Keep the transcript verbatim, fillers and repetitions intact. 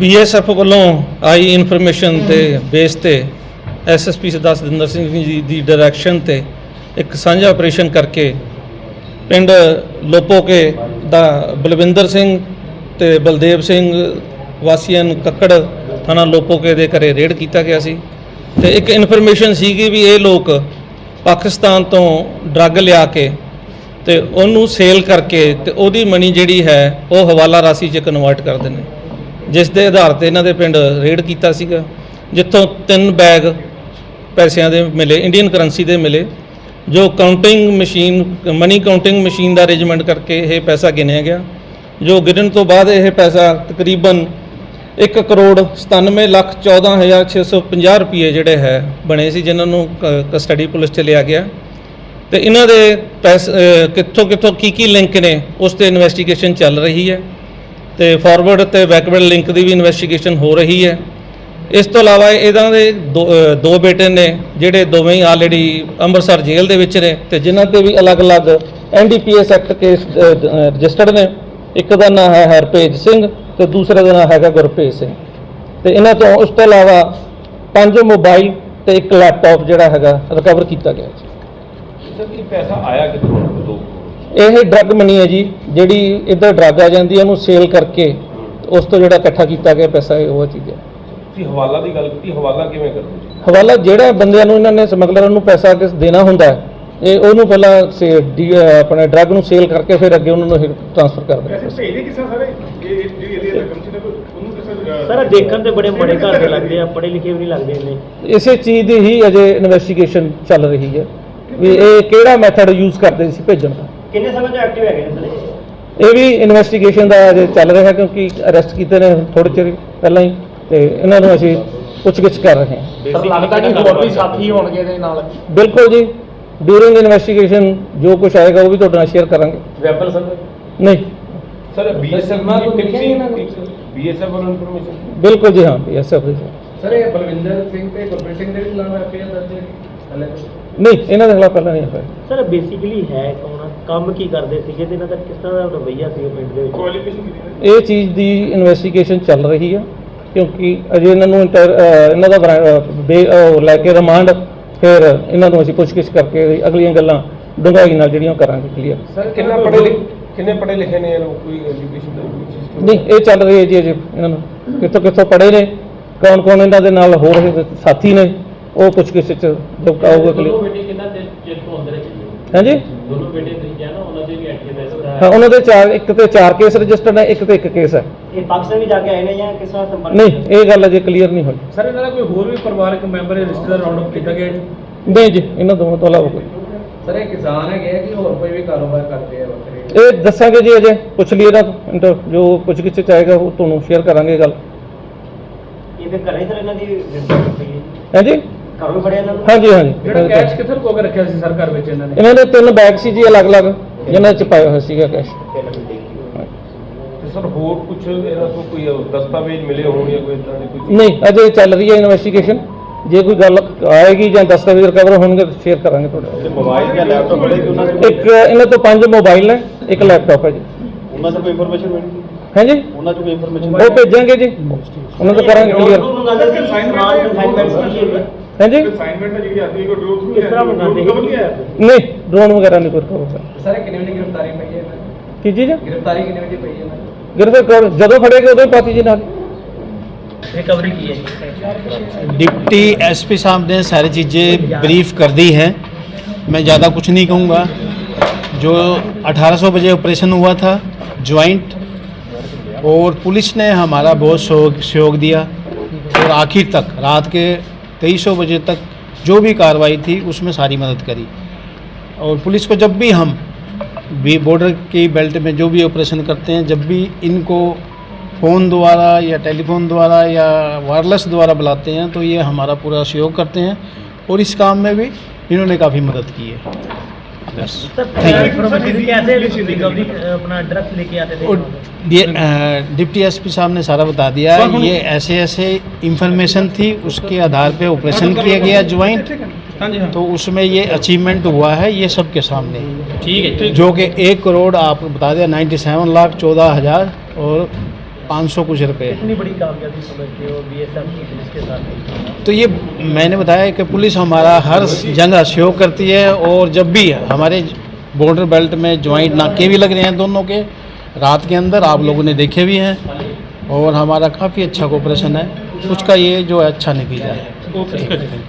B S F वालों आई information ते बेस ते S S P Sardar Satinder Singh ji की डायरैक्शन ते एक साझा ऑपरेशन करके पिंड लोपोके दा बलविंदर सिंह ते बलदेव सिंह वासियां कक्कड़ थाना लोपोके दे घरे रेड किया गया सी ते एक इन्फॉर्मेशन सी भी ये लोग पाकिस्तान तो ड्रग लिया के ते उन्होंने सेल करके ते ओदी मनी जिहड़ी है वो हवाला राशि च कन्वर्ट करते हैं, जिस दे आधार ते इन्हां दे पिंड रेड कीता सीगा, जित्थों तीन बैग पैसों के मिले, इंडियन करंसी के मिले, जो counting machine money counting machine का अरेंजमेंट करके ये पैसा गिनिया गया, जो गिनन तो बाद यह पैसा तकरीबन एक करोड़ सतानवे लख चौदह हज़ार छे सौ पंजाह रुपये जोड़े है बने सी, जिन्होंने कस्टडी पुलिस च लिया गया। तो इन्हों के पैसे कितों कितों की की लिंक ने उस पर इन्वेस्टिगेशन चल रही है, तो फॉरवर्ड तो बैकवर्ड लिंक की भी इन्वेस्टिगेशन हो रही है। इस तो इलावा इहदां दे दो दो बेटे ने जिहड़े दोवें ही ऑलरेडी अंमृतसर जेल दे विच ने, ते जिन्हां ते भी अलग अलग N D P S act case registered ने। एक का नाम है हरभेज सिंह तो दूसरे का नाम है गुरभेज सिंह। तो इन्हां तो उस तो इलावा पांच मोबाइल तो एक लैपटॉप जिहड़ा हैगा रिकवर किया गया। पैसा आया कितों? यह ड्रग मनी है जी, जिहड़ी इधर ड्रग आ जाती है, उन्होंने सेल करके उस तो जिहड़ा इकट्ठा किया गया पैसा वो चीज़ है। ਤੁਸੀਂ ਹਵਾਲਾ ਦੀ ਗੱਲ ਕੀਤੀ, ਹਵਾਲਾ ਕਿਵੇਂ ਕਰਦੇ ਜੀ? ਹਵਾਲਾ ਜਿਹੜਾ ਬੰਦਿਆਂ ਨੂੰ ਇਹਨਾਂ ਨੇ ਸਮਗਲਰਾਂ ਨੂੰ ਪੈਸਾ ਕਿਸ ਦੇਣਾ ਹੁੰਦਾ ਹੈ, ਇਹ ਉਹਨੂੰ ਪਹਿਲਾਂ ਸੇ ਆਪਣੇ ਡਰੱਗ ਨੂੰ ਸੇਲ ਕਰਕੇ ਫਿਰ ਅੱਗੇ ਉਹਨਾਂ ਨੂੰ ਟ੍ਰਾਂਸਫਰ ਕਰ ਦਿੰਦੇ। ਪੈਸੇ ਭੇਜਦੇ ਕਿਸ ਸਾਰੇ ਇਹ ਜਿਹੜੀ ਇਹਦੀ ਰਕਮ ਸੀ ਨਾ ਉਹਨੂੰ ਕਿਸੇ ਸਰ ਦੇਖਣ ਤੇ ਬੜੇ ਬੜੇ ਘਰ ਦੇ ਲੱਗਦੇ ਆ, ਪੜ੍ਹੇ ਲਿਖੇ ਵੀ ਨਹੀਂ ਲੱਗਦੇ ਇੰਨੇ। ਇਸੇ ਚੀਜ਼ ਦੀ ਹੀ ਅਜੇ ਇਨਵੈਸਟੀਗੇਸ਼ਨ ਚੱਲ ਰਹੀ ਹੈ ਵੀ ਇਹ ਕਿਹੜਾ ਮੈਥਡ ਯੂਜ਼ ਕਰਦੇ ਸੀ ਭੇਜਣ ਦਾ। ਕਿੰਨੇ ਸਮੇਂ ਤੋਂ ਐਕਟਿਵ ਹੈਗੇ ਨੇ ਸਰ? ਇਹ ਵੀ ਇਨਵੈਸਟੀਗੇਸ਼ਨ ਦਾ ਅਜੇ ਚੱਲ ਰਿਹਾ, ਕਿਉਂਕਿ ਅਰੈਸਟ ਕੀਤੇ ਨੇ ਥੋੜੇ ਚਿਰ ਪਹਿਲਾਂ ਹੀ, ਤੇ ਇਹਨਾਂ ਨੂੰ ਅਸੀਂ ਪੁੱਛਗਿੱਛ ਕਰ ਰਹੇ ਹਾਂ। ਸਰ ਲੱਗਦਾ ਕਿ ਹੋਰ ਵੀ ਸਾਥੀ ਹੋਣਗੇ ਇਹਦੇ ਨਾਲ? ਬਿਲਕੁਲ ਜੀ, ਡਿਊਰਿੰਗ ਇਨਵੈਸਟੀਗੇਸ਼ਨ ਜੋ ਕੁਝ ਆਏਗਾ ਉਹ ਵੀ ਤੁਹਾਡੇ ਨਾਲ ਸ਼ੇਅਰ ਕਰਾਂਗੇ। ਵੈਪਨ ਸਰ ਨਹੀਂ ਸਰ ਬੀ ਐਸ ਐਫ ਨਾਲ ਬੀ ਐਸ ਐਫ ਵੱਲੋਂ ਇਨਫੋਰਮੇਸ਼ਨ? ਬਿਲਕੁਲ ਜੀ, ਹਾਂ ਬੀ ਐਸ ਐਫ। ਸਰ ਇਹ ਬਲਵਿੰਦਰ ਸਿੰਘ ਤੇ ਗੁਰਪ੍ਰੀਤ ਸਿੰਘ ਦੇ ਖਿਲਾਫ ਐਫ ਆਈ ਆਰ ਦਰਜ ਹੈ ਪਹਿਲੇ? ਨਹੀਂ, ਇਹਨਾਂ ਦੇ ਖਿਲਾਫ ਪਹਿਲਾਂ ਨਹੀਂ ਹੋਇਆ। ਸਰ ਬੇਸਿਕਲੀ ਹੈ ਕੌਣ, ਕੰਮ ਕੀ ਕਰਦੇ ਸੀਗੇ ਤੇ ਇਹਨਾਂ ਦਾ ਕਿਸ ਤਰ੍ਹਾਂ ਦਾ ਰਵੱਈਆ ਸੀ ਪਿੰਡ ਦੇ ਵਿੱਚ? ਕੁਆਲੀਫਿਕੇਸ਼ਨ ਕਿਹਦੀ ਇਹ ਚੀਜ਼ ਦੀ ਇਨਵੈਸਟੀਗੇਸ਼ਨ ਚੱਲ ਰਹੀ ਹੈ, ਕਿਉਂਕਿ ਅਜੇ ਇਹਨਾਂ ਨੂੰ ਇੰਟਰ- ਅਹ ਇਹਨਾਂ ਦਾ ਬਰਾ- ਬੇ- ਉਹ ਲੈ ਕੇ ਰਿਮਾਂਡ, ਫਿਰ ਇਹਨਾਂ ਨੂੰ ਅਸੀਂ ਪੁੱਛਗਿੱਛ ਕਰਕੇ ਅਗਲੀਆਂ ਗੱਲਾਂ ਡੂੰਘਾਈ ਨਾਲ ਜਿਹੜੀਆਂ ਕਰਾਂਗੇ ਕਲੀਅਰ। ਸਰ ਕਿੰਨਾ ਪੜ੍ਹੇ ਲਿਖੇ ਕਿੰਨੇ ਪੜ੍ਹੇ ਲਿਖੇ ਨੇ ਇਹ ਲੋਕ? ਕੋਈ ਐਜੂਕੇਸ਼ਨ ਦਾ ਸਿਸਟਮ ਨਹੀਂ, ਇਹ ਚੱਲ ਰਹੀ ਹੈ ਜੀ ਅਜੇ। ਇਹਨਾਂ ਨੂੰ ਕਿੱਥੋਂ ਕਿੱਥੋਂ ਪੜ੍ਹੇ ਨੇ, ਕੌਣ ਕੌਣ ਇਹਨਾਂ ਦੇ ਨਾਲ ਹੋ ਰਹੇ ਸਾਥੀ ਨੇ, ਉਹ ਪੁੱਛਗਿੱਛ ਚ ਜੋ ਆਊਗਾ ਕਲੀਅਰ। ਬੇਟੇ ਕਿੰਨਾ ਚਿਰ ਤੋਂ ਅੰਦਰ ਹੈ? ਹਾਂਜੀ, ਦੋਨੋਂ ਬੇਟੇ ਤੁਸੀਂ ਕਿਹਾ ਨਾ ਉਹਨਾਂ ਦੇ ਵੀ ਐਕਟਿਵ ਹੈ? ਹਾਂ, ਉਹਨਾਂ ਦੇ ਚਾਰ, ਇੱਕ ਤੇ ਚਾਰ ਕੇਸ ਰਜਿਸਟਰਡ ਹੈ, ਇੱਕ ਤੇ ਇੱਕ ਕੇਸ ਹੈ। ਇਹ ਪਾਕਿਸਤਾਨ ਵੀ ਜਾ ਕੇ ਆਏ ਨੇ ਜਾਂ ਕਿਸ ਤਰ੍ਹਾਂ ਸੰਪਰਕ? ਨਹੀਂ, ਇਹ ਗੱਲ ਅਜੇ ਕਲੀਅਰ ਨਹੀਂ ਹੋਈ। ਸਰ ਇਹਨਾਂ ਦਾ ਕੋਈ ਹੋਰ ਵੀ ਪਰਿਵਾਰਕ ਮੈਂਬਰ ਜਾਂ ਰਿਸ਼ਤੇਦਾਰ ਰਾਉਂਡ ਅਪ ਕੀਤਾ ਗਿਆ ਜੀ? ਨਹੀਂ ਜੀ, ਇਹਨਾਂ ਦੋਵਾਂ ਤੋਂ ਇਲਾਵਾ ਕੋਈ। ਸਰ ਇਹ ਕਿਸਾਨ ਹੈਗੇ ਆ ਕਿ ਹੋਰ ਕੋਈ ਵੀ ਕਾਰੋਬਾਰ ਕਰਦੇ ਆ ਵੱਖਰੇ? ਇਹ ਦੱਸਾਂਗੇ ਜੀ, ਅਜੇ ਪੁੱਛ ਲਈ ਇਹਨਾਂ ਤੋਂ, ਇੰਟਰ ਜੋ ਪੁੱਛਗਿੱਛ ਚ ਆਏਗਾ ਉਹ ਤੁਹਾਨੂੰ ਸ਼ੇਅਰ ਕਰਾਂਗੇ ਗੱਲ। ਇਹ ਫਿਰ ਘਰੇ ਸਰ ਇਹਨਾਂ ਦੀ ਰਿਪੋਰਟ ਪਈ ਹੈ? ਹਾਂਜੀ ਘਰੋਂ ਵੀ ਫੜਿਆ ਇਹਨਾਂ ਨੂੰ? ਹਾਂਜੀ ਹਾਂਜੀ। ਜਿਹੜਾ ਕੈਸ਼ ਕਿੱਥੇ ਲੁਕੋ ਕੇ ਰੱਖਿਆ ਸੀ ਸਰ ਘਰ ਵਿੱਚ ਇਹਨਾਂ ਨੇ? ਇਹਨਾਂ ਦੇ ਤਿੰਨ ਬੈਗ ਸੀ ਜੀ ਅਲੱਗ-ਅਲੱਗ, ਜਿਨ੍ਹਾਂ ਚ ਪਾਇਆ ਹੋਇਆ ਸੀਗਾ ਕੈਸ਼। ਤੇ ਸਰ ਹੋਰ ਕੁਝ ਇਹਨਾਂ ਤੋਂ ਕੋਈ ਦਸਤਾਵੇਜ਼ ਮਿਲੇ ਹੋਣ ਜਾਂ ਕੋਈ ਇਦਾਂ ਦੀ ਕੋਈ? ਨਹੀਂ, ਅਜੇ ਚੱਲ ਰਹੀ ਹੈ ਇਨਵੈਸਟੀਗੇਸ਼ਨ। ਜੇ ਕੋਈ ਗੱਲ ਆਏਗੀ ਜਾਂ ਦਸਤਾਵੇਜ਼ ਰਿਕਵਰ ਹੋਣਗੇ ਤਾਂ ਸ਼ੇਅਰ ਕਰਾਂਗੇ ਤੁਹਾਡੇ। ਮੋਬਾਈਲ ਜਾਂ ਲੈਪਟਾਪ ਬੜੇ ਕਿ ਉਹਨਾਂ ਇੱਕ ਇਹਨਾਂ ਤੋਂ ਪੰਜ ਮੋਬਾਈਲ ਨੇ, ਇੱਕ ਲੈਪਟਾਪ ਹੈ ਜੀ। ਉਹਨਾਂ ਤੋਂ ਕੋਈ ਇਨਫੋਰਮੇਸ਼ਨ ਮਿਲੀ? ਹਾਂਜੀ, ਉਹਨਾਂ ਤੋਂ ਕੋਈ ਇਨਫੋਰਮੇਸ਼ਨ ਉਹ ਭੇਜਾਂਗੇ ਜੀ, ਉਹਨਾਂ ਤੋਂ ਕਰਾਂਗੇ ਕਲੀਅਰ। ਹਾਂਜੀ, ਅਸਾਈਨਮੈਂਟ ਹੈ ਜਿਹੜੀ ਆਦੀ ਹੈ ਕੋਈ ਡਰੋਨ ਥਰੂ ਕਿਸ ਤਰ੍ਹਾਂ ਮੰਗਾਉਂਦੇ ਕਵਰ ਨਹੀਂ ਆਇਆ? ਨਹੀਂ, ਡਰੋਨ ਵਗੈਰਾ ਨਹੀਂ ਕੋਈ ਹੋਊਗਾ। ਸਰ ਇਹ ਕਿੰਨੇ ਵਜੇ ਗ੍ਰਿਫਤਾਰੀ ਪਈ ਹੈ ਇਹਨਾਂ ਦੀ? ਕੀ ਚੀਜ਼? ਗ੍ਰਿਫਤਾਰੀ ਕਿੰਨੇ ਵਜੇ ਪਈ ਹੈ ਇਹਨਾਂ ਦੀ? ਗਿਰਦੇ ਜਦੋਂ ਫੜੇਗੇ ਉਦੋਂ ਹੀ ਪਾਤੀ ਜੀ ਨਾਲ। रिकवरी की है? डिप्टी एसपी साहब ने सारी चीज़ें ब्रीफ कर दी है, मैं ज़्यादा कुछ नहीं कहूँगा। जो अठारह सौ बजे ऑपरेशन हुआ था ज्वाइंट, और पुलिस ने हमारा बहुत सहयोग सहयोग दिया, और आखिर तक रात के तेईस सौ बजे तक जो भी कार्रवाई थी उसमें सारी मदद करी। और पुलिस को जब भी हम भी बॉर्डर की बेल्ट में जो भी ऑपरेशन करते हैं, जब भी इनको फ़ोन द्वारा या टेलीफोन द्वारा या वायरलेस द्वारा बुलाते हैं तो ये हमारा पूरा सहयोग करते हैं, और इस काम में भी इन्होंने काफ़ी मदद की है। बस कैसे रिकवरी अपना ड्रग्स लेके आते थे? और ये डिप्टी एसपी साहब ने सारा बता दिया है। ये ऐसे ऐसे इंफॉर्मेशन थी, उसके आधार पे ऑपरेशन किया गया ज्वाइंट, तो उसमें ये अचीवमेंट हुआ है, ये सबके सामने। ठीक है, जो कि एक करोड़ आपको बता दिया, नाइन्टी सेवन लाख चौदह हज़ार और पाँच सौ कुछ रुपये। कितनी बड़ी कामयाबी समझते हो बीएसएफ की पुलिस के साथ? तो ये मैंने बताया कि पुलिस हमारा हर जगह सहयोग करती है, और जब भी हमारे बॉर्डर बेल्ट में ज्वाइंट नाके भी लग रहे हैं दोनों के, रात के अंदर आप लोगों ने देखे भी हैं, और हमारा काफ़ी अच्छा कोऑपरेशन है, उसका ये जो है अच्छा नतीजा है।